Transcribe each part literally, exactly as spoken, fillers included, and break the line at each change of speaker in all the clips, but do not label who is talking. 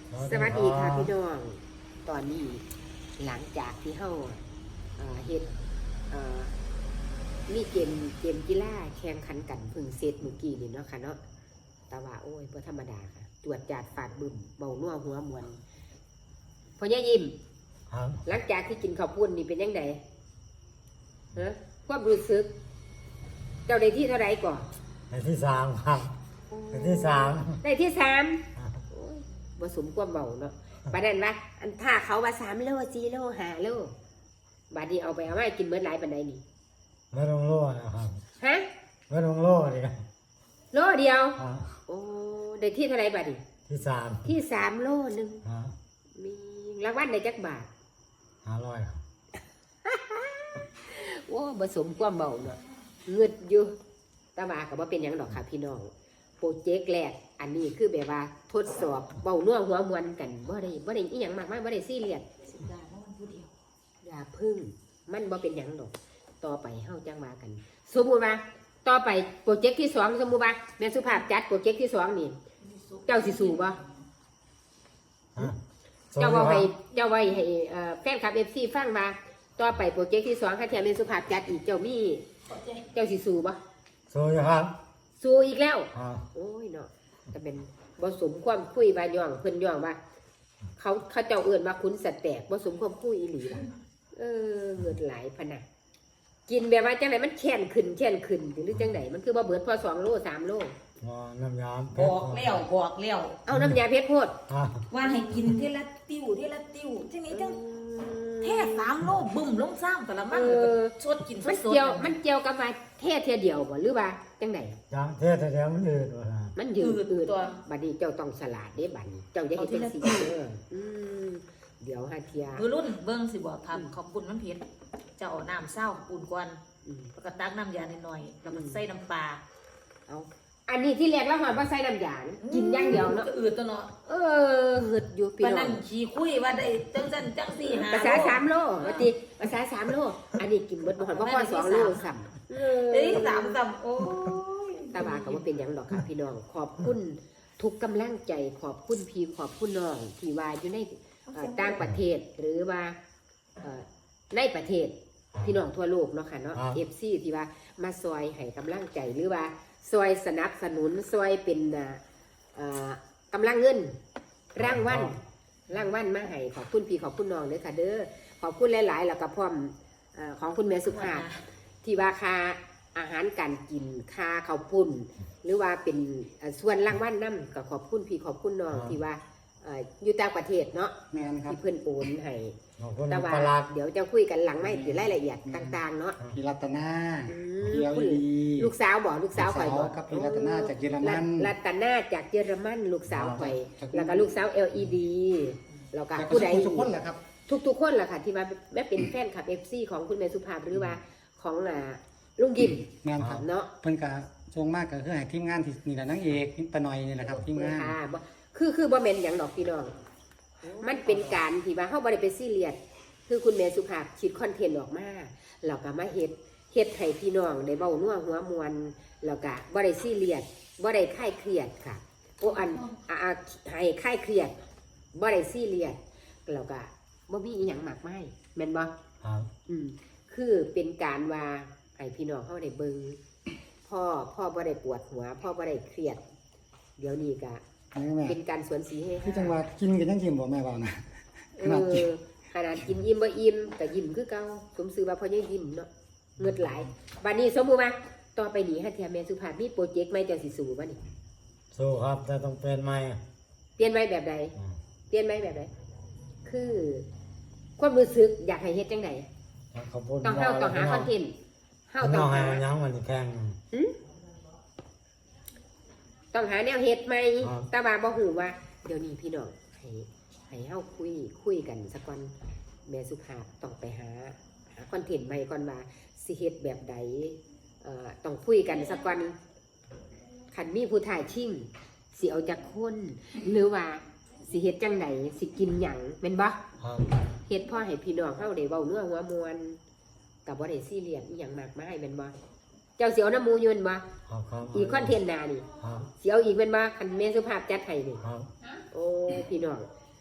สวัสดีค่ะพี่น้องตอนนี้หลังจากที่เฮาเฮ็ดมีเกมเกมกีฬาแข่งขันกันพึ่งเซตเมื่อกี้นี่เนาะค่ะเนาะแต่ว่าโอ้ยบ่ธรรมดาค่ะจวดจาดฟาดบึ้มเบานัวหัวมวนพ่อย่ายิ้มหลังจากที่กินข้าวปุ้นนี่เป็นยังไงฮะความรู้สึกเจ้าได้ที่เท่าไรก่อน
ได้ที่สามครับได้ที่สาม
ได้ที่สามผสมความเบาเนาะประเด็นว่าอันถ้าเขาว่าสามโลสี่โลห้าโลบาดนี้เอาไปเอาไว้กินเมื่อไรปันใดนี่
เมื่อลงโลนะครับ
ฮะ
เมื่อลงโลเดียว
โลเดียวโอ้ได้ที่เท่าไรบาดนี้
ที่สาม
ที่สามโลหนึ่งมีรางวัลในจักบาท
ห้าร้อย
โอ้ผสมความเบาเนาะเงืดอยู่ตาบากับว่าเป็นอย่างดอกค่ะพี่น้องโปรเจกต์แรกอันนี้คือแบบว่าทดสอบเบาเนื้อหัวมวนกันบ่ได้บ่ได้อีหยังมากมายบ่ได้ซีเรียสอย่าพึ่งมันบ่เป็นหยังดอกต่อไปเฮาจังว่ากันสมมุติว่าต่อไปโปรเจกต์ที่สองสมมุติว่าแม่สุภาพจัดโปรเจกต์ที่สองนี่เจ้าสิสู้บ่เจ้าว่าให้เจ้าไว้ให้แฟนคลับ เอฟ ซี ฟังว่าต่อไปโปรเจกต์ที่สองถ้าแท้แม่สุภาพจัดอีกเจ้ามีเจ้าสิสู้บ่
สู้ครับ
สู้อีกแล้วโอ้ยเนาะจะเป็นผสมความคุยบาย่องเพิ่นย่องว่าเขาเขาเจ้าเอื่นว่าคุณสัตว์แตกผสมความคุยอีหลีล่ะเออเกิดหลายพนะกินแบบว่าจังไหนมันแช่นขึ้นแช่นขึ้นหรือจังไหนมันคือบ่เบิดพอสองโลสามโล
น้ำยา
บอกเลี้ยวบอกเลี้ยว
เอาน้ำยาเพชรโพด
ว่าให้กินทีละติ้วทีละติ้วทีนี้จังแท่สามโลบึ้มลงซ้ำแต่ละมันชดกินสด
มันเกี่ยวมันเกี่ยวกับว่าแท่เทียเดียวบ่หรือว่าจังไหน
จังแท่เดียวมันยืด
มันยืดอืดตัวบัดนี้เจ้าต้องสลัดได้บัดนี้เจ้าจะเห็นเป็นสีเด้อเดี๋ยวหาเทีย
มือรุ่นเบิ้งสิบอกทำขอบคุณมันเผ็ดจะเอาน้ำเศร้าปูนกวนแล้วก็ตักน้ำยาหน่อยๆแล้วมันใส่น้ำปลา
เอาอันนี้ที่แรกแล้วหอยว่าใส่น้ำยากินอย่างเดียวเนาะ
อืดตัวเนาะ
เออหืดอยู่พี่น้อง
นั่นขี้คุยว่าได้จังจันจังสี่หา
ภาษาสามโลว่าติภาษาสามโลอันนี้กินเบิดบ่หอยว่าพอสองโลซ้ำ
เอ้ยสามซ้ำโอ้
ยตาบาก็ว่าเป็นอย่างดอกค่ะพี่น้องขอบคุณทุกกำลังใจขอบคุณพี่ขอบคุณน้องที่ว่าอยู่ในต่างประเทศหรือว่าในประเทศพี่น้องทั่วโลกเนาะค่ะเนาะ เอฟ ซี ที่ว่ามาซอยให้กำลังใจหรือว่าซอยสนับสนุนซอยเป็นกำลังเงินร่างวันร่างวันมาให้ขอบคุณพี่ขอบคุณน้องเลยค่ะเด้อขอบคุณหลายๆแล้วก็พร้อมของคุณแม่สุภาพที่ว่าค่าอาหารการกินค่าข้าวปุ้นหรือว่าเป็นส่วนร่างวันน้ำก็ขอบคุณพี่ขอบคุณน้องที่ว่าอยู่ต่างประเทศเนาะที่เพื่อนโอนให้แต่ว่าเดี๋ยวจะคุยกันหลังไม่ถึงรายละเอียดต่างๆเนาะ
พี่รัตนา
พี่เอลีลูกสาวบอกลูกสาวข่อยบอก
กับพี่รัตนาจากเยอรมัน
รัตนาจากเยอรมันลูกสาวข่อยแล้วก็ลูกสาว แอล อี ดี แล้วก็ผู้ใด
ทุกคนแหละครับ
ทุกๆคนแหละค่ะที่มาแม่เป็นแฟนคลับ เอฟ ซี ของคุณแม่สุภาพหรือว่าของลุงยิมเนาะ
เพิ่นก็ทรงมากก็คือให้ทีมงานที่นี่แหละนางเอกปะหน่อยนี่แหละครับทีมงาน
คือคือบ่แม่นอย่างดอกพี่น้องมันเป็นการที่ว่าเฮาบ่ได้ไปซีเรียสคือคุณแม่สุภาพคิดคอนเทนต์ออกมาแล้วก็มาเฮ็ดเฮ็ดให้พี่น้องได้เว้านัวหัวมวนแล้วก็บ่ได้ซีเรียสบ่ได้คลายเครียดค่ะโอ้อันอ่าให้คลายเครียดบ่ได้ซีเรียสแล้วก็บ่มีอีหยังมากมายแม่นบ่
ครับ
อืมคือเป็นการว่าให้พี่น้องเฮาได้เบิ่งพ่อพ่อบ่ได้ปวดหัวพ่อบ่ได้เครียดเดี๋ยวนี้ก็เป็นการสวนสีให้
ที่จังหวัดกินกันยังยิ้มบ่แม่บ่นะ
ขนาดกินขนาดกินยิ้มบ่อิ่มแต่ยิ้มคือเก่าสมซื่อว่าพ่อยังยิ้มเนาะเงิดหลายบัดนี้สมมุติว่าต่อไปนี้ฮะเทียแม่สุภาพมีโปรเจกต์ใหม่จังสิสู้บ่นี่
สู้ครับแต่ต้องเปลี่ยนใหม่
เปลี่ยนใหม่แบบใดเปลี่ยนใหม่แบบใดคือความรู้สึกอยากให้เฮ็ดจังได๋ต้องเฮาต้องหาคอนเทนต์
เฮาต้องหาหยังมันแข่ง
ต้องหาแนวเฮ็ดใหม่แต่ว่าบ่ฮู้ว่าเดี๋ยวนี้พี่น้องให้ให้เฮาคุยคุยกันสักก่อนแม่สุภาพต้องไปหาหาคอนเทนต์ใหม่ก่อนว่าสิเฮ็ดแบบใดเอ่อต้องคุยกันสักก่อนคันมีผู้ถ่ายชิงสิเอาจักคนหรือว่าสิเฮ็ดจังไดสิกินหยังแม่นบ่เฮ็ดพ่อให้พี่น้องเฮาได้เว้าเนื้อหัวมวนก็บ่ได้ซีเรียสอีหยังมากมายแม่นบ่เจ้าเสียวน้ำมูยืนบ่อีกคอนเทนต์นานี่เสียวอีกเป็นบ่คันแม่สุภาพจัดให้นี่โอ้พี่น้อง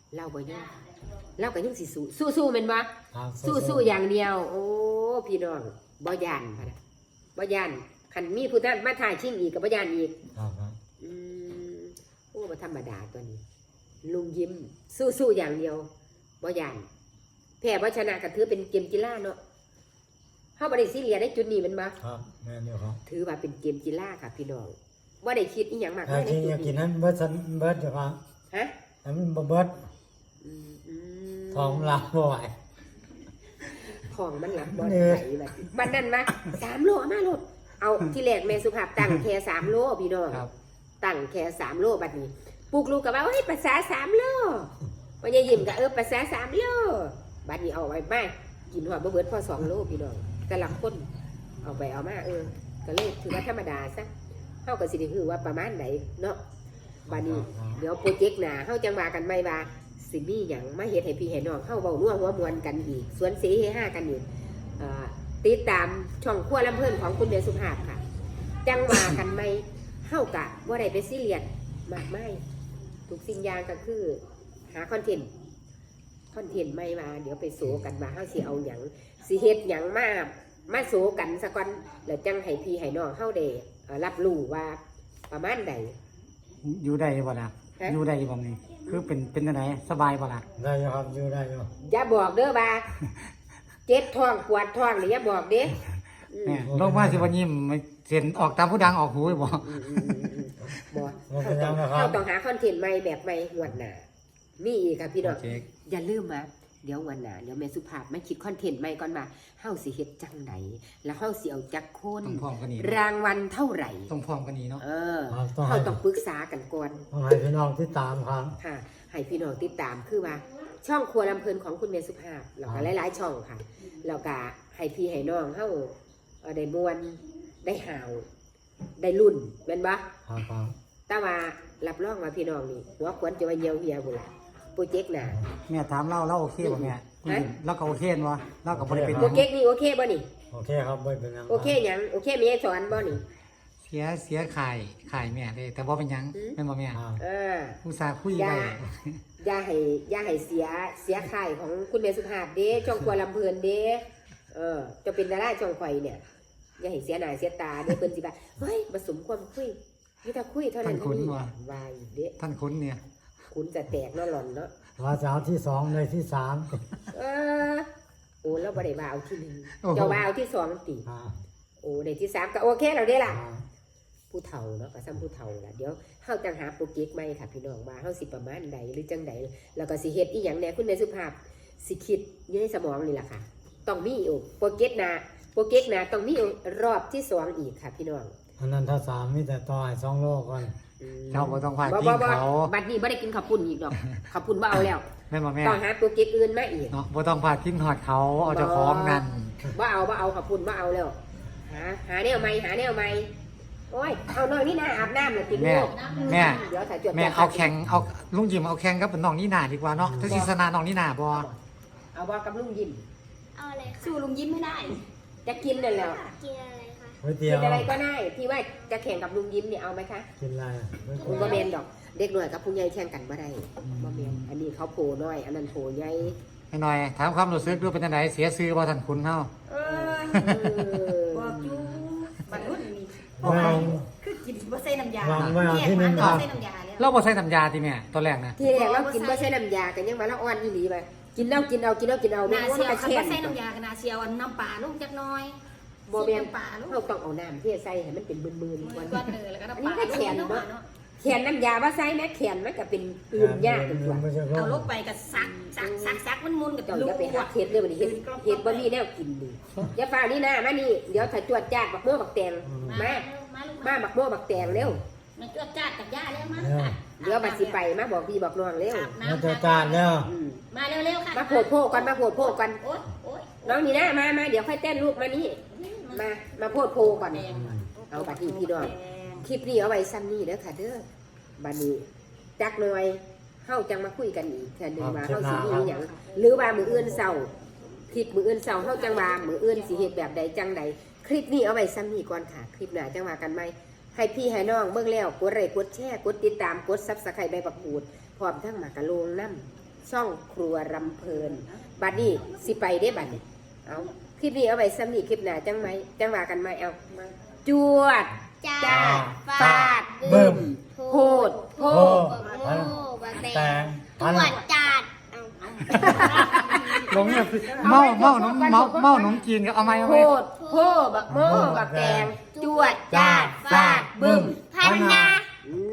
เราบ่ยอมเราก็ยังสิสู้สู้สู้แม่นบ่
ครับ
สู้สู้อย่างเดียว โอ้พี่น้องบ่ย่านพะนะบ่ย่านคันมีผู้ท่านมาถ่ายชิงอีกก็บ่ย่านอีก
ครับครับ
อืมโอ้บ่ธรรมดาตัวนี้ ลุงยิ้ม สู้สู้อย่างเดียวบ่ย่านแพ้บ่ชนะก็ถือเป็นเกมกีฬาเนาะเฮาบ่ได้ซีเรียสในจุดนี้แม่นบ่
ครับแม่นอยู่ครับ
ถือว่าเป็นเกมกีฬาค่ะพี่น้องบ่ได้คิดอีหยังมาก
แต่
มายใน
ที่
จุ
อ
ด
ยากกิ
นี้
นนั้นเบิดซันเบิดอยู่ครับ
ฮะ
แต่มันบ่เบิด
อืมอืม
ท้องลาบ่ไหว
ของมันหลับบ่
เหนื่
ไหว
อย
แบบบัดนั้นมาสามโลเอามาโลดเอาที่แรกแม่สุภาพตั้งแค่สามโลพี่น้อง
ครับ
ตั้งแค่สามโลบัดนี้ปลูกลูกก็ว่าเฮ้ยภาษาสามโลพ่อใหญ่ยิ้มก็เออภาษาสามโลบัดนี้เอาไว้มากินหอดบ่เบิดพอสองโลพี่น้องแต่ละคนเอาไปเอามาเออก็เลยถือว่าธรรมดาซะเฮาก็สิได้ฮู้ว่าประมาณไหนเนาะบัดนี้เดี๋ยวโปรเจกต์หน้าเฮาจังว่ากันใหม่ว่าสิมีหยังมาเฮ็ดให้พี่ให้น้องเฮาเว้านัวหัวมวนกันอีกสวนเสเฮฮากันอีกเอ่อติดตามช่องครัวลำเพิ่นของคุณแม่สุภาพค่ะ จังว่ากันไหมเฮากะว่าได้ไปซีเรียสมากไม่ทุกสิ่งอย่างก็คือหาคอนเทนต์คอนเทนต์ไม่มาเดี๋ยวไปโสกันว่าเฮาสิเอาหยังสิเฮ็ดหยังมามาโสกันซะก่อนแล้วจังให้พี่ให้น้องเฮาได้เอ่อรับรู้ว่าประมาณใด
อยู่ได้บ่ล่ะ
ฮะ
อยู่ได้บ่นี่คือเป็นเป็นจังไดสบายบ่ล่ะ
ได้อยู่ครับอยู่ได้อยู่
อย่าบอกเด้อว่าเจ็บท้องปวดท้องหรืออย่าบอกเด้อืม
แม่ลงมาสิบ่ยิ้มเสียนออกตามผู้ดังออกหูบ่
อืมอืมอืมอืมบอก
บ่เป็นหยังนะครั
เรา
บ
ต้องหาคอนเทนต์ใหม่แบบใหม่งวดหน้านี่อีกค่ะพี่น้อง
โอเค
อย่าลืมมาเดี๋ยววันหน้าเดี๋ยวแม่สุภาพไม่คิดคอนเทนต์ใหม่ก่อนมาเฮาสิเฮ็ดจังไดแล้วเฮาสิเอาจักคน
ต้องพร้อมกันนี่
รางวัลเท่าไหร่
ต้องพร้อมกันนี่เนาะ
เออ
ครับต้องให้
เฮาต้องปรึกษากันก่อน
ต้องให้พี่น้องที่ตามครับ
ค่ะ ให้พี่น้องติดตามคือว่า ช่องครัวลำเพลินของคุณแม่สุภาพแล้วก็หลายๆช่องค่ะแล้วก็ให้พี่ให้น้องเฮาเอ่อได้ม่วนได้หาว ได้รุ่นแม่นบ่
ครับครับ
แต่ว่ารับรองว่าพี่น้องนี่หัวขวัญจะว่าเหี่ยวเหี่ยวบุล่ะโปรเจกต์หน้า
แม่ถามเราเราโอเคบ่แม่ผู้หญิงเราก็โอเคบ่เราก็บ่ได้เป็นห
โปร
ยัง
เจกต์นี่โอเคบ่นี่
โอเคครับไม่เป็นหยัง
โอเคหยังโอเคมีให้สอนบ่นี่
เสียเสียขายขายแม่เลยแต่บ่เป็นหยัง
อืม
แม่นบ่แม่
ครับ
เออ
อุตส่าห์คุย
อย่า
ไว้
อย่าให้อย่าให้เสียเสียค่ายของคุณแม่สุภาพเด้ช่องครัวลำเพลินเด้เออจะเป็นดาราช่องข่อยเนี่ยอย่าให้เสียหน้าเสียตาเด้เพิ่นสิว่าเฮ้ยบ่สมความคุยมีแต่คุยเท่านั้นเท่านี้วายเด้
ท่านคุ้นเนี่ย
คุณจะแตกเนาะหล่อนเนาะ
ว่าจะเอาที่สองเลยที่สาม
เออโอ้เราบ่ได้ว่าเอาที่หนึ่ง
โอ้โห
เจ้าว่าเอาที่สองติ
ครับ
โอ้ในที่สามก็โอเคแล้วเด้ล่ะ
ครับ
ผู้เฒ่าเนาะก็ซ้ำผู้เฒ่าล่ะเดี๋ยวเฮาจังหาโปรเจกต์ใหม่ค่ะพี่น้องว่าเฮาสิประมาณใดหรือจังใดแล้วก็สิเฮ็ดอีหยังแหน่คุณแม่สุภาพสิคิดอยู่ในสมองนี่ล่ะค่ะ ต้องมีอีกโปรเจกต์หน้าโปรเจกต์หน้าต้องมีอีกรอบที่สองอีกค่ะพี่น้อง
อันนั้นถ้าสามมีแต่ต่อให้สองโลก่อน
อืม
เจ้าบ่ต้องพา
บ่
กิ
บ่
น
บ่
เขา
บัดนี้บ่ได้กินข้าวปุ้นอีกดอกข้าวปุ้นบ่เอาแล้ว
แม่นบ่แม่
ต้องหาโปรเจกต์อื่นมาอีก
เนาะบ่ต้องพากินหอดเขาเอาเจ้าของนั่น
บ่เอาบ่เอาข้าวปุ้นบ่เอาแล้วหาหาแนวใหม่หาแนวใหม่โอ้ยเอาน้อยนี่นะอาบน้ำเลยติด
แม่
ลูก
แม่
เดี๋ยวถ่ายจด
แม่เอาแข่งเอาลุงยิมเอาแข่งกับน้องนี่นาดีกว่าเนาะถ้าสิชนะน้องนี่นาบ่
เอาบ่กับลุงยิ้ม
เอาอะไรคะ
สู้ลุงยิ้มไม่ได้
จะกินนั่นแหล้ว
กินอะไรคะ
ก๋วยเตี๋
กิ
ย
น
ว
อะไรก็ได้ที่ว่าจะแข่งกับลุงยิ้มเนี่ยเอาไหมคะ
กินอะไรก๋วย
คุณ
เตี๋ยว
บ่แมนดอกเด็กหน่อยกับผู้ใหญ่แข่งกันบ่ได้บ่แมนอันนี้เขาโผล่น้อย อันนั้นโผล่ใหญ่
ให้หน่อยถามความรู้สึกดูเป็นจังไดเสียชื่อบ่ท่านคุณเฮา
เออ
เออ
บอกอยู่บรรลุนี่
วาง
คือกินบ่ใส่น้ำยาว
างไว้เอา
แยก
ที่หนึ่
มัน
ง
บ่
ครับ
ใส่น้ำยาแล้ว
เราบ่ใส่น้ำยาติแม่ตอนแรกนะ
ที่แรกเรากินบ่ใช่น้ำยากันยังว่าเราอ่อนอีหลีไปกินเอากินเอากินเอากินเอา
นาเชียว
กระ
คัน
เช่
บ่
น
ใส่น้ำยากันนาเชียวอันน้ำปลาลูกจักหน้อย
บ่แม่น
น้ำปลาลูก
เราต้องเอาน้ำที่ใส่ให้มันเป็นมืนๆ
มื
ก่อ
อน ก้อนเนยแล้วก็น้ำ
อัน
ป
นี้
ลา
ก็แขน
ลูก
เนาะ
เนาะ
แขนน้ำยาว่าใส่นะแขนมันก็เป็นอื่นยากเป็นตัว
ไม่ใช่
เอา
โร
ลู
ค
กไปก็ซักซักซักซักมันมุนกับ
เจ้า
ลู
อก ย่าไปหาเฮ็ดเลยวันนี้เฮ็ดเฮ็ดบ่มีแนวกินนี่อย่าฟ้าวนี่นะมานี่เดี๋ยวถ้าจวดจาดบักโม่บักแตงมา
มาลูก
มาบักโม่บักแตงเร็ว
มาจวดจ้าดกับย่าเร็วมา
เดี๋ยวบัดสิไปมาบอกพี่บอกน้องเร็ว
อาบ
มา
น้ำ
เจอจานแล้ว
อืม
มาเร็วๆค่ะ
มาโผดโพกกันมาโผดโพกกัน
โอ๊ยโอ๊ย
น้องนี่นะมามาเดี๋ยวค่อยเต้นลูกมานี่มามาโพดโพก่อนเอาบัดนี้พี่น้องคลิปนี้เอาไว้ซ้ำนี่เด้อค่ะเด้อบัดนี้จักหน่อยเฮาจังมาคุยกันอีกเทื่อนึงว่าเฮาสิมีหยังหรือว่ามื้ออื่นเช้าคลิปมื้ออื่นเช้าเฮาจังว่ามื้ออื่นสิเฮ็ดแบบใดจังใดคลิปนี้เอาไว้ซ้ำนี่ก่อนค่ะ คลิปหน้าจังว่ากันใหม่ให้พี่ให้น้องเบิ่งแล้วกดไลค์กดแชร์กดติดตามกด Subscribe ใบประกูดพร้อมทั้งหมากกะโลงน้ำซ่องครัวรำเพลินบัดนี้สิไปได้บัดนี้เอาคลิปนี้เอาไว้ซ้ำนี่คลิปหน้าจังไหมจังว่ากันไหมเอามาจวด
จ้า
จ้าฟาด
บึ้ม
โพดโพ
โอ้
โอ้บักแต
แต่
ง
พัน
ตรวจจัดเอา
หลงเนี่ยเมาเมาหนมเมาเมาหนมจีนก็เอาไหมเอา
โพ
ไหม
ดโพบักโมบักแตงจวดจ้าดฟาดบึ้ม
พันนา